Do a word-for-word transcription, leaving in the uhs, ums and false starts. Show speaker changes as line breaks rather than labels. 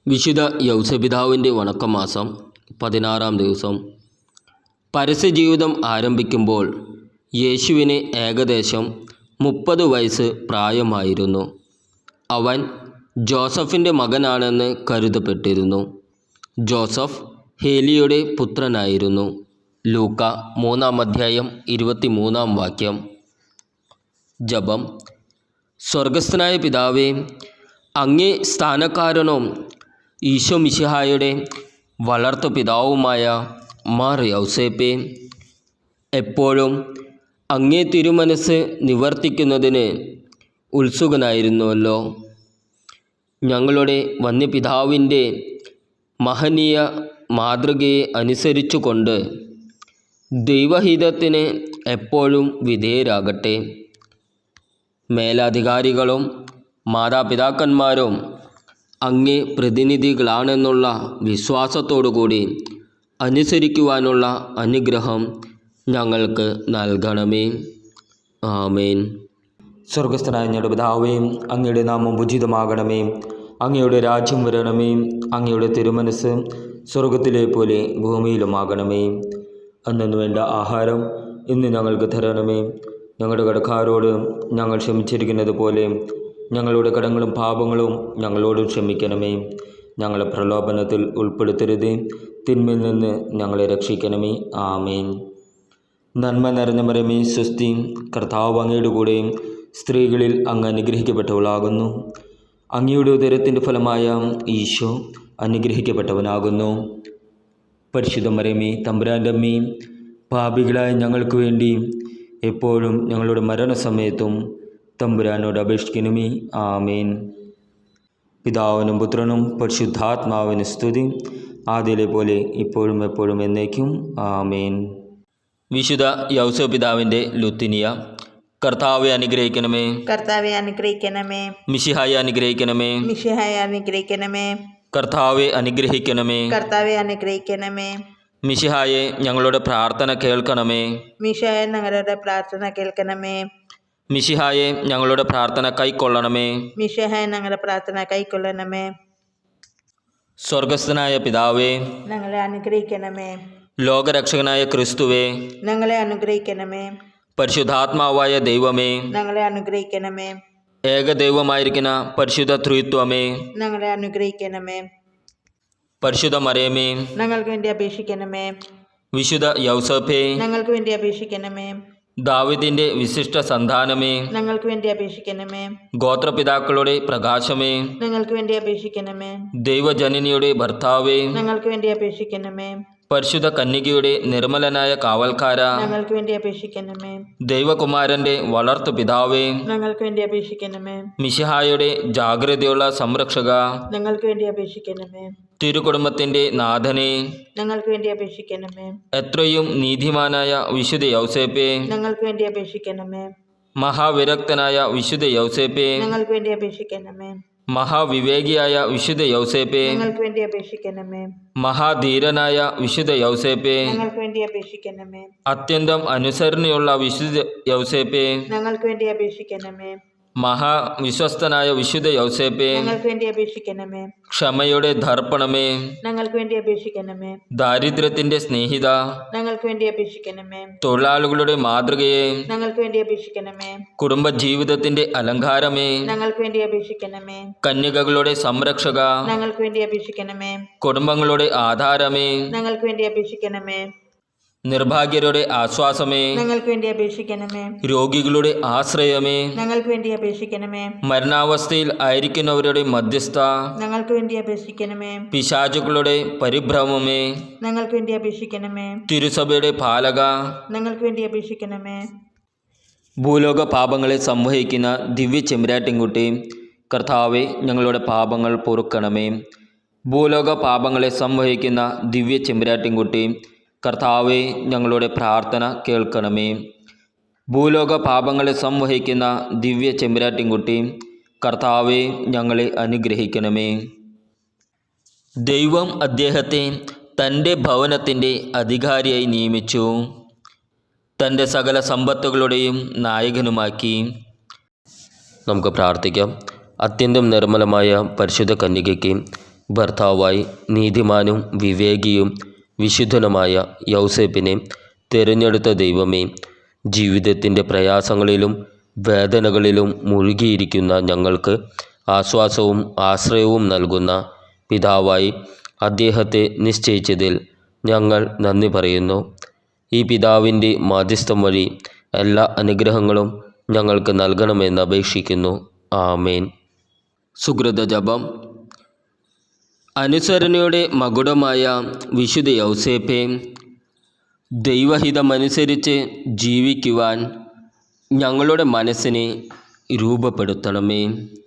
വിശുദ്ധ യൗസപിതാവിൻ്റെ വണക്കമാസം പതിനാറാം ദിവസം. പരസ്യജീവിതം ആരംഭിക്കുമ്പോൾ യേശുവിന് ഏകദേശം മുപ്പത് വയസ്സ് പ്രായമായിരുന്നു. അവൻ ജോസഫിൻ്റെ മകനാണെന്ന് കരുതപ്പെട്ടിരുന്നു. ജോസഫ് ഹേലിയുടെ പുത്രനായിരുന്നു. ലൂക്ക മൂന്നാം അധ്യായം ഇരുപത്തിമൂന്നാം വാക്യം. ജപം. സ്വർഗസ്ഥനായ പിതാവേ, അങ്ങേ സ്ഥാനക്കാരനും ഈശോ മിശിഹായുടെ വളർത്തു പിതാവുമായ മാർ യൗസേപ്പേ, എപ്പോഴും അങ്ങേ തിരുമനസ് നിവർത്തിക്കുന്നതിന് ഉത്സുകനായിരുന്നുവല്ലോ. ഞങ്ങളുടെ വന്യപിതാവിൻ്റെ മഹനീയ മാതൃകയെ അനുസരിച്ചുകൊണ്ട് ദൈവഹിതത്തിന് എപ്പോഴും വിധേയരാകട്ടെ. മേലധികാരികളും മാതാപിതാക്കന്മാരും അങ്ങേ പ്രതിനിധികളാണെന്നുള്ള വിശ്വാസത്തോടുകൂടി അനുസരിക്കുവാനുള്ള അനുഗ്രഹം ഞങ്ങൾക്ക് നൽകണമേ. ആമേൻ.
സ്വർഗസ്ഥനായ ഞങ്ങളുടെ പിതാവേ, അങ്ങയുടെ നാമം ഉചിതമാകണമേ. അങ്ങയുടെ രാജ്യം വരണമേ. അങ്ങയുടെ തിരുമനസ് സ്വർഗത്തിലെ പോലെ ഭൂമിയിലുമാകണമേ. അന്നു വേണ്ട ആഹാരം ഇന്ന് ഞങ്ങൾക്ക് തരണമേ. ഞങ്ങളുടെ കടക്കാരോട് ഞങ്ങൾ ക്ഷമിച്ചിരിക്കുന്നത് പോലെ ഞങ്ങളുടെ കടങ്ങളും പാപങ്ങളും ഞങ്ങളോട് ക്ഷമിക്കണമേ. ഞങ്ങളെ പ്രലോഭനത്തിൽ ഉൾപ്പെടുത്തരുത്, തിന്മയിൽ നിന്ന് ഞങ്ങളെ രക്ഷിക്കണമേ. ആമേൻ. നന്മ നിറഞ്ഞ മരമേ സ്വസ്തി, കർത്താവ് അങ്ങയുടെ കൂടെ സ്ത്രീകളിൽ അങ്ങ് അനുഗ്രഹിക്കപ്പെട്ടവളാകുന്നു. അങ്ങയുടെ ഉദരത്തിൻ്റെ ഫലമായ ഈശോ അനുഗ്രഹിക്കപ്പെട്ടവനാകുന്നു. പരിശുദ്ധ മരമേ തമ്പുരാൻ്റെ അമ്മേ, പാപികളായ ഞങ്ങൾക്ക് വേണ്ടി എപ്പോഴും ഞങ്ങളുടെ മരണസമയത്തും തമ്പുരാനോട് അപേക്ഷിക്കണമേ. ആമേൻ. പിതാവിനും പുത്രനും പരിശുദ്ധാത്മാവിന് സ്തുതി, ആദ്യയിലെ പോലെ ഇപ്പോഴും എപ്പോഴും എന്നേക്കും. ആമേൻ.
വിശുദ്ധ യൗസപിതാവിൻ്റെ ലുത്തിനിയ. കർത്താവെ അനുഗ്രഹിക്കണമേ.
കർത്താവെ അനുഗ്രഹിക്കണമേ.
മിശിഹായെ അനുഗ്രഹിക്കണമേ.
മിശിഹായെ അനുഗ്രഹിക്കണമേ.
കർത്താവെ അനുഗ്രഹിക്കണമേ.
കർത്താവെ അനുഗ്രഹിക്കണമേ.
മിശിഹായെ ഞങ്ങളുടെ പ്രാർത്ഥന കേൾക്കണമേ.
മിശിഹായെ ഞങ്ങളുടെ പ്രാർത്ഥന കേൾക്കണമേ.
മിശിഹായെ ഞങ്ങളുടെ പ്രാർത്ഥന കൈക്കൊള്ളണമേ.
മിശിഹായെ ഞങ്ങളുടെ പ്രാർത്ഥന കൈക്കൊള്ളണമേ.
സ്വർഗസ്ഥനായ പിതാവേ,
ഞങ്ങളെ അനുഗ്രഹിക്കണമേ.
ലോകരക്ഷകനായ ക്രിസ്തുവേ,
ഞങ്ങളെ അനുഗ്രഹിക്കണമേ.
പരിശുദ്ധാത്മാവായ ദൈവമേ,
ഞങ്ങളെ അനുഗ്രഹിക്കണമേ.
ഏകദൈവമായിരിക്കുന്ന പരിശുദ്ധ ത്രിത്വമേ,
ഞങ്ങളെ അനുഗ്രഹിക്കണമേ.
പരിശുദ്ധ മറിയമേ,
ഞങ്ങൾക്ക് വേണ്ടി അപേക്ഷിക്കണമേ.
വിശുദ്ധ യൗസേപ്പേ,
ഞങ്ങൾക്ക് വേണ്ടി അപേക്ഷിക്കണമേ.
ദാവീദിന്റെ വിശിഷ്ട സന്താനമേ,
ഞങ്ങൾക്ക് വേണ്ടി അപേക്ഷിക്കണമേ.
ഗോത്രപിതാക്കളുടെ പ്രകാശമേ,
ഞങ്ങൾക്ക് വേണ്ടി അപേക്ഷിക്കണമേ.
ദൈവജനനിയുടെ ഭർത്താവേ,
ഞങ്ങൾക്ക് വേണ്ടി അപേക്ഷിക്കണമേ.
പരിശുദ്ധ കന്യകയുടെ നിർമ്മലനായ കാവൽക്കാര,
ഞങ്ങൾക്ക് വേണ്ടി അപേക്ഷിക്കണമേ.
ദൈവകുമാരന്റെ വളർത്തു പിതാവേ,
ഞങ്ങൾക്ക് വേണ്ടി അപേക്ഷിക്കണമേ.
മിശിഹായുടെ ജാഗ്രതയുള്ള സംരക്ഷക,
ഞങ്ങൾക്ക് വേണ്ടി അപേക്ഷിക്കണമേ.
തിരുകുടുംബത്തിന്റെ നാഥനെ,
ഞങ്ങൾക്ക് വേണ്ടി അപേക്ഷിക്കണമേ.
എത്രയും നീതിമാനായ വിശുദ്ധ യൗസേപ്പേ,
ഞങ്ങൾക്ക് വേണ്ടി അപേക്ഷിക്കണമേ.
മഹാവിരക്തനായ വിശുദ്ധ യൗസേപ്പേ,
ഞങ്ങൾക്ക് വേണ്ടി അപേക്ഷിക്കണമേ.
മഹാവിവേകിയായ വിശുദ്ധ യൗസേപ്പേ,
ഞങ്ങൾക്ക് വേണ്ടി അപേക്ഷിക്കണമേ.
മഹാധീരനായ വിശുദ്ധ യൗസേപ്പേ,
ഞങ്ങൾക്ക് വേണ്ടി അപേക്ഷിക്കണമേ.
അത്യന്തം അനുസരണയുള്ള വിശുദ്ധ യൗസേപ്പേ,
ഞങ്ങൾക്ക് വേണ്ടി അപേക്ഷിക്കണമേ.
മഹാവിശ്വസ്തനായ വിശുദ്ധ യൗസേപ്പേ,
ഞങ്ങൾക്ക് വേണ്ടി അപേക്ഷിക്കണമേ.
ക്ഷമയുടെ ദർപ്പണമേ,
ഞങ്ങൾക്ക് വേണ്ടി അപേക്ഷിക്കണമേ.
ദാരിദ്ര്യത്തിന്റെ സ്നേഹിത,
ഞങ്ങൾക്ക് വേണ്ടി അപേക്ഷിക്കണമേ.
തൊഴിലാളികളുടെ മാതൃകയെ,
ഞങ്ങൾക്ക് വേണ്ടി അപേക്ഷിക്കണമേ.
കുടുംബജീവിതത്തിന്റെ അലങ്കാരമേ,
ഞങ്ങൾക്ക് വേണ്ടി അപേക്ഷിക്കണമേ.
കന്യകകളുടെ സംരക്ഷക,
ഞങ്ങൾക്ക് വേണ്ടി അപേക്ഷിക്കണമേ.
കുടുംബങ്ങളുടെ ആധാരമേ,
ഞങ്ങൾക്ക് വേണ്ടി അപേക്ഷിക്കണമേ.
നിർഭാഗ്യരുടെ ആശ്വാസമേ,
ഞങ്ങൾക്ക് വേണ്ടി അപേക്ഷിക്കണമേ.
രോഗികളുടെ ആശ്രയമേ,
ഞങ്ങൾക്ക് വേണ്ടി അപേക്ഷിക്കണമേ.
മരണാവസ്ഥയിൽ ആയിരിക്കുന്നവരുടെ മധ്യസ്ഥ,
ഞങ്ങൾക്ക് വേണ്ടി അപേക്ഷിക്കണമേ.
പിശാചുക്കളുടെ പരിഭ്രമമേ,
ഞങ്ങൾക്ക് വേണ്ടി അപേക്ഷിക്കണമേ.
തിരുസഭയുടെ പാലക,
ഞങ്ങൾക്ക് വേണ്ടി അപേക്ഷിക്കണമേ.
ഭൂലോക പാപങ്ങളെ സംവഹിക്കുന്ന ദിവ്യ ചെമ്പരാട്ടിൻകുട്ടി, കർത്താവെ ഞങ്ങളുടെ പാപങ്ങൾ പൊറുക്കണമേ. ഭൂലോക പാപങ്ങളെ സംവഹിക്കുന്ന ദിവ്യ ചെമ്പരാട്ടിൻകുട്ടി, കർത്താവെ ഞങ്ങളുടെ പ്രാർത്ഥന കേൾക്കണമേ. ഭൂലോക പാപങ്ങളെ സംവഹിക്കുന്ന ദിവ്യ ചെമ്പരാട്ടിൻകുട്ടി, കർത്താവെ ഞങ്ങളെ അനുഗ്രഹിക്കണമേ. ദൈവം അദ്ദേഹത്തെ തൻ്റെ ഭവനത്തിൻ്റെ അധികാരിയായി നിയമിച്ചു. തൻ്റെ സകല സമ്പത്തുകളുടെയും നായകനുമാക്കി. നമുക്ക് പ്രാർത്ഥിക്കാം. അത്യന്തം നിർമ്മലമായ പരിശുദ്ധ കന്യകയ്ക്ക് ഭർത്താവായി നീതിമാനും വിവേകിയും വിശുദ്ധനുമായ യൗസേപ്പിനെ തിരഞ്ഞെടുത്ത ദൈവമേ, ജീവിതത്തിൻ്റെ പ്രയാസങ്ങളിലും വേദനകളിലും മുഴുകിയിരിക്കുന്ന ഞങ്ങൾക്ക് ആശ്വാസവും ആശ്രയവും നൽകുന്ന പിതാവായി അദ്ദേഹത്തെ നിശ്ചയിച്ചതിൽ ഞങ്ങൾ നന്ദി പറയുന്നു. ഈ പിതാവിൻ്റെ മാധ്യസ്ഥം വഴി എല്ലാ അനുഗ്രഹങ്ങളും ഞങ്ങൾക്ക് നൽകണമെന്ന് അപേക്ഷിക്കുന്നു. ആമേൻ. സുകൃത ജപം. അനുസരണയുടെ മകുടമായ വിശുദ്ധ യൗസേപ്പെ, ദൈവഹിതമനുസരിച്ച് ജീവിക്കുവാൻ ഞങ്ങളുടെ മനസ്സിനെ രൂപപ്പെടുത്തണമേ.